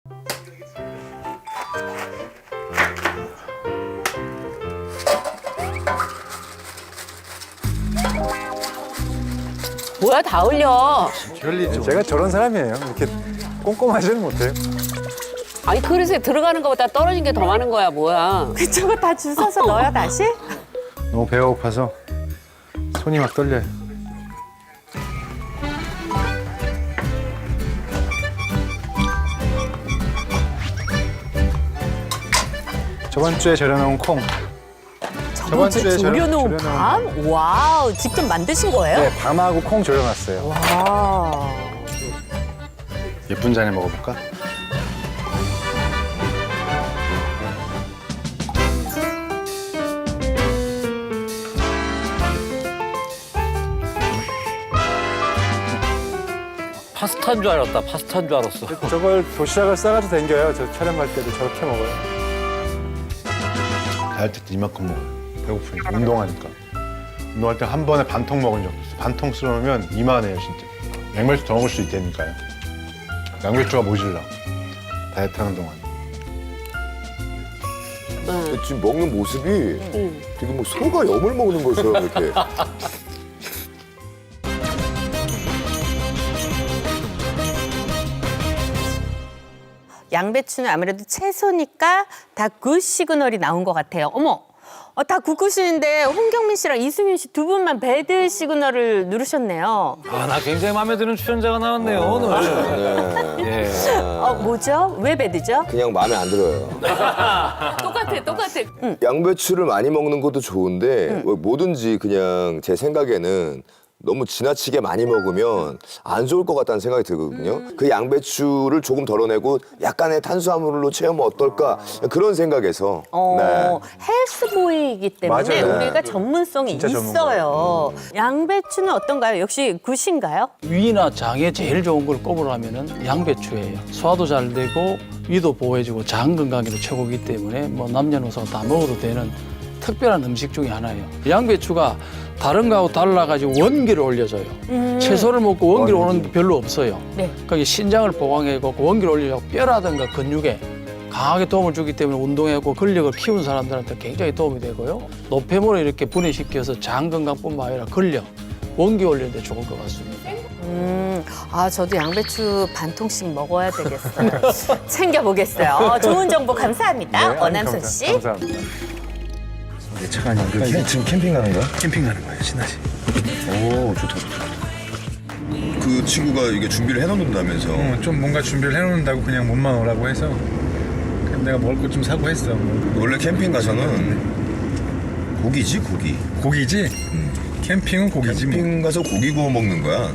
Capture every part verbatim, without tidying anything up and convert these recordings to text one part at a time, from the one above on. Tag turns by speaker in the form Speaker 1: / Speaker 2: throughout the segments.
Speaker 1: 뭐야, 다 흘려.
Speaker 2: 별리죠. 제가 저런 사람이에요. 이렇게 꼼꼼하지는 못해요.
Speaker 1: 아니, 그릇에 들어가는 것보다 떨어진 게 더 많은 거야, 뭐야.
Speaker 3: 그쪽을 다 주워서 넣어요, 다시?
Speaker 2: 너무 배가 고파서 손이 막 떨려요. 저번 주에 절여놓은 콩.
Speaker 3: 저번 주에
Speaker 2: 주에
Speaker 3: 졸여놓은
Speaker 2: 절여-
Speaker 3: 밤? 와우, 직접 만드신 거예요?
Speaker 2: 네, 밤하고 콩 절여놨어요.
Speaker 3: 와.
Speaker 2: 예쁜 잔에 먹어볼까?
Speaker 4: 파스타인 줄 알았다. 파스타인 줄 알았어.
Speaker 2: 저걸 도시락을 싸가지고 댕겨요. 저 촬영 갈 때도 저렇게 먹어요. 다이어트 때 이만큼 먹어요. 배고프니까, 운동하니까. 운동할 때 한 번에 반통 먹은 적도 있어요. 반통 쓸어놓으면 이만해요, 진짜. 양배추 더 먹을 수 있다니까요. 양배추가 모질라. 다이어트 하는 동안.
Speaker 5: 지금 먹는 모습이 되게 뭐 소가 염을 먹는 것처럼 이렇게.
Speaker 3: 양배추는 아무래도 채소니까 다 굿 시그널이 나온 것 같아요. 어머, 어, 다 굿굿이는데 홍경민 씨랑 이승윤 씨 두 분만 배드 시그널을 누르셨네요.
Speaker 4: 아, 나 굉장히 마음에 드는 출연자가 나왔네요, 오늘.
Speaker 5: 네.
Speaker 4: 예.
Speaker 3: 어, 뭐죠? 왜 배드죠?
Speaker 5: 그냥 마음에 안 들어요.
Speaker 1: 똑같아, 똑같아.
Speaker 5: 양배추를 많이 먹는 것도 좋은데 뭐 뭐든지 그냥 제 생각에는 너무 지나치게 많이 먹으면 안 좋을 것 같다는 생각이 들거든요. 그 양배추를 조금 덜어내고 약간의 탄수화물로 채우면 어떨까 그런 생각에서.
Speaker 3: 어, 헬스보이이기 때문에
Speaker 2: 맞아요.
Speaker 3: 우리가 전문성이
Speaker 2: 진짜
Speaker 3: 있어요. 양배추는 어떤가요? 역시 굿인가요?
Speaker 6: 위나 장에 제일 좋은 걸 꼽으라면은 양배추예요. 소화도 잘 되고 위도 보호해주고 장 건강에도 최고이기 때문에 뭐 남녀노소 다 먹어도 되는 특별한 음식 중에 하나예요. 양배추가 다른 거하고 달라가지고 원기를 올려줘요.
Speaker 3: 음.
Speaker 6: 채소를 먹고 원기를 오는 게 별로 없어요.
Speaker 3: 네.
Speaker 6: 그러니까 신장을 보강해고 원기를 올려서 뼈라든가 근육에 강하게 도움을 주기 때문에 운동하고 근력을 키운 사람들한테 굉장히 도움이 되고요. 노폐물을 이렇게 분해시켜서 장 건강뿐만 아니라 근력, 원기 올리는 데 좋을 것 같습니다.
Speaker 3: 음, 아, 저도 양배추 반 통씩 먹어야 되겠어요. 챙겨보겠어요. 어, 좋은 정보 감사합니다.
Speaker 2: 아니,
Speaker 3: 원한솔
Speaker 2: 감사-
Speaker 3: 씨.
Speaker 2: 감사합니다.
Speaker 7: 내 차가 아니야. 그 캠, 지금 캠핑 가는 거야? 캠핑 가는 거야, 신나지. 오, 좋다, 좋다. 그 친구가 이게 준비를 해놓는다면서.
Speaker 2: 어, 좀 뭔가 준비를 해놓는다고 그냥 몸만 오라고 해서 그냥 내가 먹을 것 좀 사고 했어. 뭐.
Speaker 7: 원래 캠핑 가서는 고기지, 고기.
Speaker 2: 고기지? 캠핑은 고기지 뭐.
Speaker 7: 캠핑 가서 고기 구워 먹는 거야.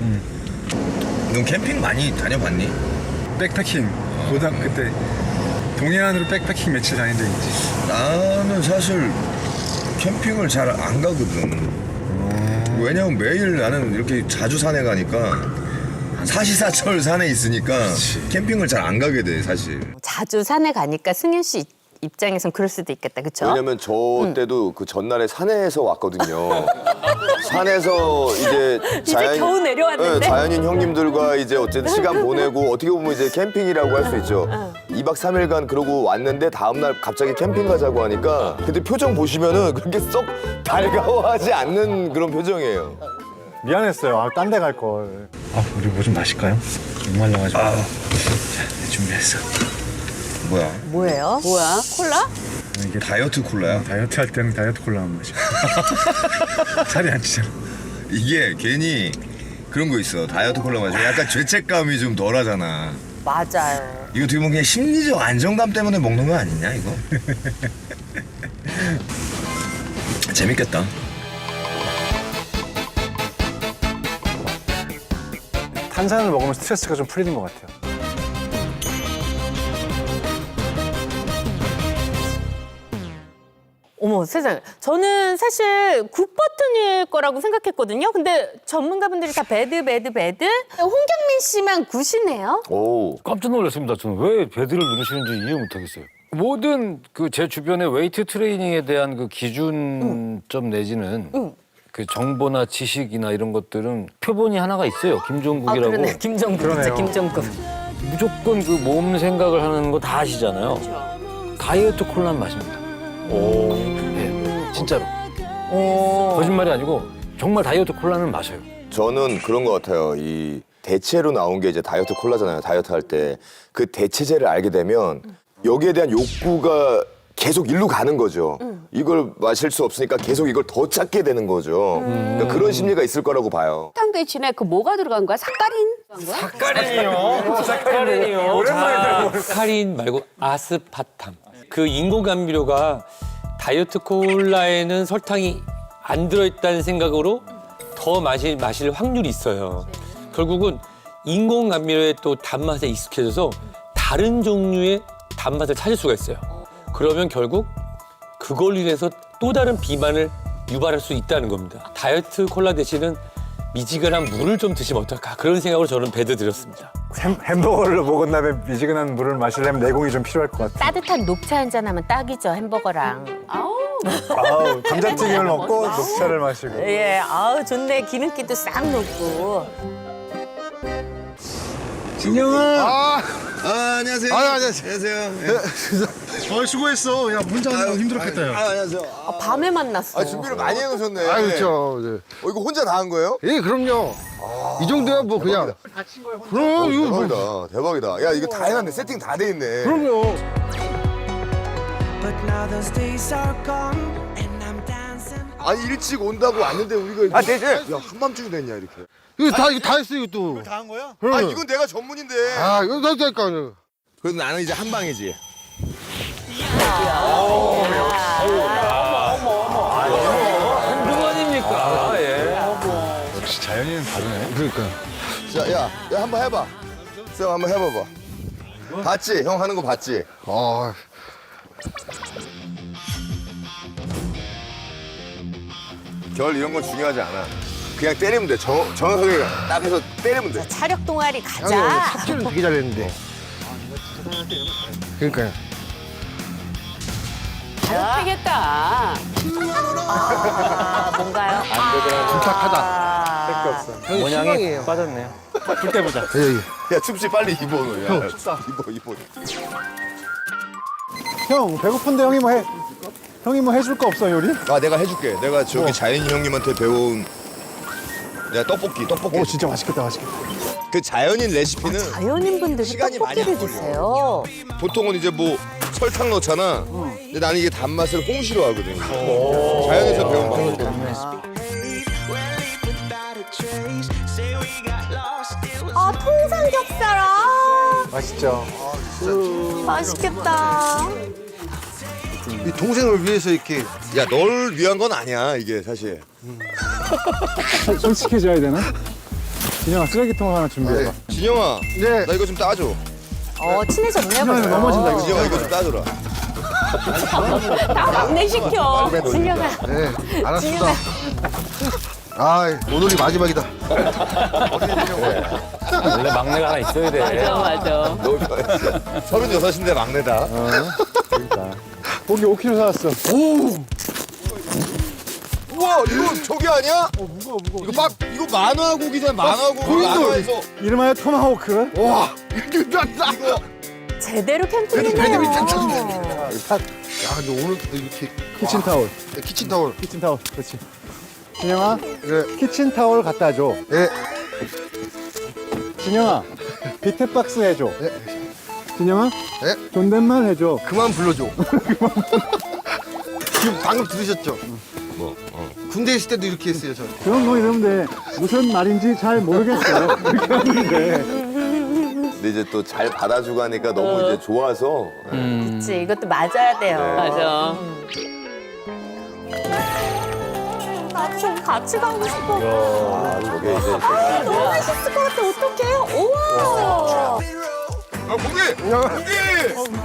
Speaker 7: 넌 캠핑 많이 다녀봤니?
Speaker 2: 백패킹. 고등학교 때 동해안으로 백패킹 며칠 다닌 적 있지.
Speaker 7: 나는 사실 캠핑을 잘 안 가거든. 왜냐면 매일 나는 이렇게 자주 산에 가니까 사시사철 산에 있으니까 캠핑을 잘 안 가게 돼, 사실.
Speaker 3: 자주 산에 가니까 승윤 씨 입장에선 그럴 수도 있겠다, 그렇죠?
Speaker 5: 왜냐면 저 때도 그 전날에 산에서 왔거든요. 산에서 이제
Speaker 3: 이제 겨우 내려왔는데?
Speaker 5: 네, 자연인 형님들과 이제 어쨌든 시간 보내고 어떻게 보면 이제 캠핑이라고 할 수 있죠. 이 박 삼 일간 그러고 왔는데 다음날 갑자기 캠핑 가자고 하니까 그때 표정 보시면은 그렇게 썩 달가워하지 않는 그런 표정이에요.
Speaker 2: 미안했어요. 아, 딴 데 갈 걸.
Speaker 7: 아, 우리 뭐 좀 마실까요? 목말라가지고. 아, 자, 네, 준비했어. 뭐야?
Speaker 3: 뭐예요?
Speaker 1: 뭐야, 콜라?
Speaker 7: 이게 다이어트 콜라야?
Speaker 2: 다이어트 할 때는 다이어트 콜라만 마셔. 살이 안 찌잖아.
Speaker 7: 이게 괜히 그런 거 있어. 다이어트 콜라 마시면 약간 죄책감이 좀 덜하잖아.
Speaker 3: 맞아요.
Speaker 7: 이거 어떻게 보면 그냥 심리적 안정감 때문에 먹는 거 아니냐, 이거? 재밌겠다.
Speaker 2: 탄산을 먹으면 스트레스가 좀 풀리는 것 같아요.
Speaker 3: 어머 세상에. 저는 사실 굿 버튼일 거라고 생각했거든요. 근데 전문가분들이 다 배드 배드 배드. 홍경민 씨만 굿이네요.
Speaker 5: 오.
Speaker 4: 깜짝 놀랐습니다. 저는 왜 배드를 누르시는지 이해 못하겠어요. 모든 그 제 주변의 웨이트 트레이닝에 대한 그 기준점 내지는
Speaker 3: 응.
Speaker 4: 그 정보나 지식이나 이런 것들은 표본이 하나가 있어요.
Speaker 3: 아
Speaker 4: 김종국이라고.
Speaker 3: 그러네. 김정국 있죠.
Speaker 2: 그러네요.
Speaker 3: 김정국.
Speaker 4: 무조건 그 몸 생각을 하는 거 다 아시잖아요. 다이어트 콜라는 마십니다. 오, 네, 진짜로. 거짓말이 아니고 정말 다이어트 콜라는 마셔요.
Speaker 5: 저는 그런 것 같아요. 이 대체로 나온 게 이제 다이어트 콜라잖아요. 다이어트 할 때 그 대체제를 알게 되면 여기에 대한 욕구가 계속 일로 가는 거죠. 이걸 마실 수 없으니까 계속 이걸 더 찾게 되는 거죠. 그러니까 그런 심리가 있을 거라고 봐요.
Speaker 1: 설탕 대신에 그 뭐가 들어간 거야? 사카린?
Speaker 8: 사카린 말고 아스파탐. 그 인공 감미료가 다이어트 콜라에는 설탕이 안 들어있다는 생각으로 더 마실, 마실 확률이 있어요. 결국은 인공 감미료의 또 단맛에 익숙해져서 다른 종류의 단맛을 찾을 수가 있어요. 그러면 결국 그걸로 인해서 또 다른 비만을 유발할 수 있다는 겁니다. 다이어트 콜라 대신은 미지근한 물을 좀 드시면 어떨까 그런 생각으로 저는 배드 드렸습니다.
Speaker 2: 햄, 햄버거를 먹은 다음에 미지근한 물을 마시려면 내공이 좀 필요할 것 같아.
Speaker 3: 따뜻한 녹차 한 잔 하면 딱이죠, 햄버거랑.
Speaker 1: 아우.
Speaker 2: 아우, 감자튀김을 먹고 녹차를 마시고.
Speaker 3: 예, 아우 좋네. 기름기도 싹 녹고.
Speaker 7: 아, 안녕하세요.
Speaker 9: 아, 안녕하세요.
Speaker 7: 안녕하세요.
Speaker 9: 어, 수고했어. 야, 혼자 하느라 힘들었겠다, 야.
Speaker 7: 아, 안녕하세요.
Speaker 3: 아, 밤에 만났어.
Speaker 5: 아, 준비를 많이 해놓으셨네.
Speaker 9: 아, 그렇죠. 네.
Speaker 5: 어, 이거 혼자 다 한 거예요?
Speaker 9: 예, 그럼요. 이 정도야 뭐 그냥. 그럼 이거 뭐.
Speaker 5: 대박이다. 대박이다. 야, 이거 다 해놨네. 세팅 다 돼 있네.
Speaker 9: 그럼요.
Speaker 5: 아니, 일찍 온다고 왔는데 우리가. 아, 네, 네. 야, 한밤중이 됐냐, 이렇게.
Speaker 9: 이거 다 이거 다 했어 이거 또.
Speaker 7: 다 한 거야?
Speaker 5: 아, 이건 내가 전문인데.
Speaker 9: 아, 이거 다 했다니까.
Speaker 7: 그래도 나는 이제 한 방이지.
Speaker 4: 누구 아닙니까? 예.
Speaker 2: 역시 자연인은 다르네.
Speaker 9: 그러니까.
Speaker 5: 자, 야, 야, 한번 해봐. 쌤, 한번 해봐봐. 봤지? 형 하는 거 봤지?
Speaker 9: 아,
Speaker 5: 결 이런 건 중요하지 않아. 그냥 때리면 돼. 정, 정확하게 딱 해서 때리면 돼.
Speaker 3: 차력 동아리
Speaker 9: 형이
Speaker 3: 가자.
Speaker 9: 삽질은 되게 잘했는데. 그러니까요.
Speaker 1: 잘하겠다.
Speaker 3: 아, 뭔가요?
Speaker 9: 부탁하다.
Speaker 3: 아,
Speaker 9: 형이
Speaker 4: 모양이
Speaker 9: 실망이에요.
Speaker 4: 빠졌네요. 풀 때보다.
Speaker 9: 예, 예.
Speaker 5: 야, 춥지 빨리 입어. 너. 야, 야, 춥다. 입어, 입어.
Speaker 2: 형, 배고픈데 형이 뭐 해? 형이 뭐 해줄 거 없어, 요리?
Speaker 5: 아, 내가 해줄게. 내가 저기 자연인 형님한테 배운 내가 떡볶이, 떡볶이.
Speaker 2: 오, 진짜 맛있겠다, 맛있겠다.
Speaker 5: 그 자연인 레시피는
Speaker 3: 자연인분들이
Speaker 5: 시간이 많이
Speaker 3: 떡볶이를
Speaker 5: 안 걸려.
Speaker 3: 드세요.
Speaker 5: 보통은 이제 뭐 설탕 넣잖아. 근데 나는 이게 단맛을 홍시로 하거든. 자연에서 배운 방법이거든.
Speaker 3: 아, 통삼겹살. 아,
Speaker 2: 맛있죠?
Speaker 3: 맛있겠다.
Speaker 9: 이 동생을 위해서 이렇게.
Speaker 5: 야, 널 위한 건 아니야, 이게 사실.
Speaker 2: 솔직해져야 되나? 진영아, 쓰레기통 하나 준비해봐.
Speaker 5: 진영아,
Speaker 9: 네.
Speaker 5: 나 이거 좀 따줘.
Speaker 3: 어, 친해졌네.
Speaker 2: 진영아,
Speaker 3: 벌써.
Speaker 2: 넘어진다, 이거.
Speaker 5: 진영아, 이거 좀 따줘라.
Speaker 1: 다 막내시켜.
Speaker 3: 진영아.
Speaker 9: 네, 알았습니다. 아, 오늘이 마지막이다.
Speaker 4: 원래 막내가 하나 있어야 돼.
Speaker 1: 맞아, 맞아.
Speaker 5: 너무 좋아했어. 서른여섯인데 막내다.
Speaker 2: 고기 오 킬로그램 사왔어.
Speaker 5: 우와, 이거 저기 아니야? 어, 무거워, 무거워. 이거 막, 이거 만화 고기잖아, 만화 고기. 만화에서.
Speaker 2: 이름하여 토마호크.
Speaker 9: 와, 이거 낫다.
Speaker 5: 이거.
Speaker 3: 제대로
Speaker 9: 배드민턴
Speaker 3: 캠핑이네요.
Speaker 9: 탔는데. 야, 근데 오늘도 이렇게
Speaker 2: 키친타올.
Speaker 9: 네, 키친타월.
Speaker 2: 키친타올, 그렇지. 진영아,
Speaker 9: 네,
Speaker 2: 키친타올 갖다 줘.
Speaker 9: 네.
Speaker 2: 진영아, 비트박스 해줘.
Speaker 9: 네.
Speaker 2: 진영아,
Speaker 9: 네.
Speaker 2: 존댓말 해줘.
Speaker 9: 그만 불러줘. 지금 방금 들으셨죠? 뭐? 어. 군대 있을 때도 이렇게 했어요, 저.
Speaker 2: 그런 거 이러면 돼. 무슨 말인지 잘 모르겠어요. 이렇게 하는데.
Speaker 5: 근데 이제 또 잘 받아주고 하니까 너무 이제 좋아서.
Speaker 3: 그치, 이것도 맞아야 돼요.
Speaker 1: 맞아.
Speaker 3: 나좀 같이 가고 싶어.
Speaker 5: 아, 저게 이제.
Speaker 3: 아, 너무 맛있을 것 같아. 어떡해요? 우와.
Speaker 5: 아, 고기! 고기!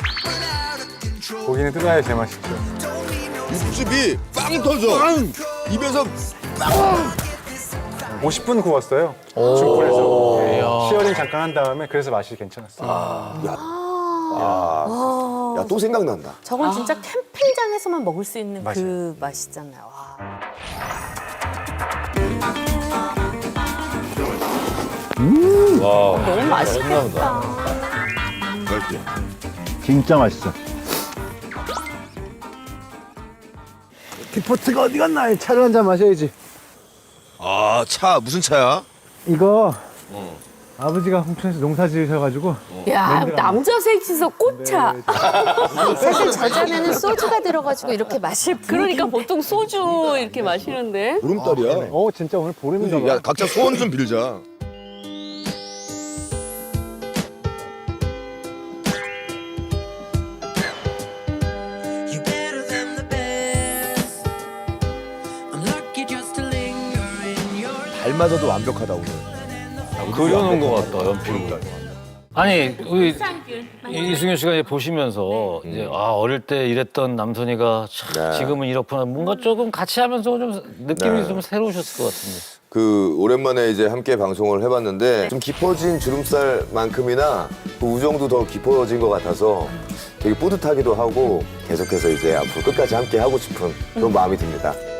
Speaker 2: 고기는 뜯어야 제맛있죠.
Speaker 5: 육즙이 빵 터져. 빵! 입에서
Speaker 2: 오십 분 구웠어요. 중불에서. 시어링 잠깐 한 다음에 그래서 맛이 괜찮았어요.
Speaker 5: 야, 또 생각난다.
Speaker 3: 저건 진짜 캠핑장에서만 먹을 수 있는
Speaker 2: 맞아요.
Speaker 3: 그 맛이잖아요. 와. 너무 맛있겠다.
Speaker 7: 맛있지?
Speaker 2: 진짜 맛있어.
Speaker 9: 디포트가 어디 갔나? 차를 한 잔 마셔야지.
Speaker 7: 아, 차 무슨 차야?
Speaker 9: 이거 아버지가 홍천에서 농사 지으셔가지고
Speaker 1: 야, 남자 셋이서 꽃차.
Speaker 3: 사실 저 잔에는 소주가 들어가지고 이렇게 마실 분.
Speaker 1: 그러니까 보통 소주 이렇게 마시는데.
Speaker 7: 보름달이야.
Speaker 9: 어 진짜 오늘 보름인가 봐.
Speaker 7: 야, 각자 소원 좀 빌자.
Speaker 5: 닮아서도 완벽하다 오늘.
Speaker 4: 그려놓은 것 같다, 연필로. 아니, 우리 이승윤 씨가 이제 보시면서 이제 아, 어릴 때 이랬던 남선이가 참
Speaker 5: 네.
Speaker 4: 지금은 이렇구나. 뭔가 조금 같이 하면서 좀 느낌이
Speaker 5: 네.
Speaker 4: 좀 새로우셨을 것 같은데.
Speaker 5: 그 오랜만에 이제 함께 방송을 해봤는데 좀 깊어진 주름살만큼이나 그 우정도 더 깊어진 것 같아서 되게 뿌듯하기도 하고 계속해서 이제 앞으로 끝까지 함께 하고 싶은 그런 마음이 듭니다.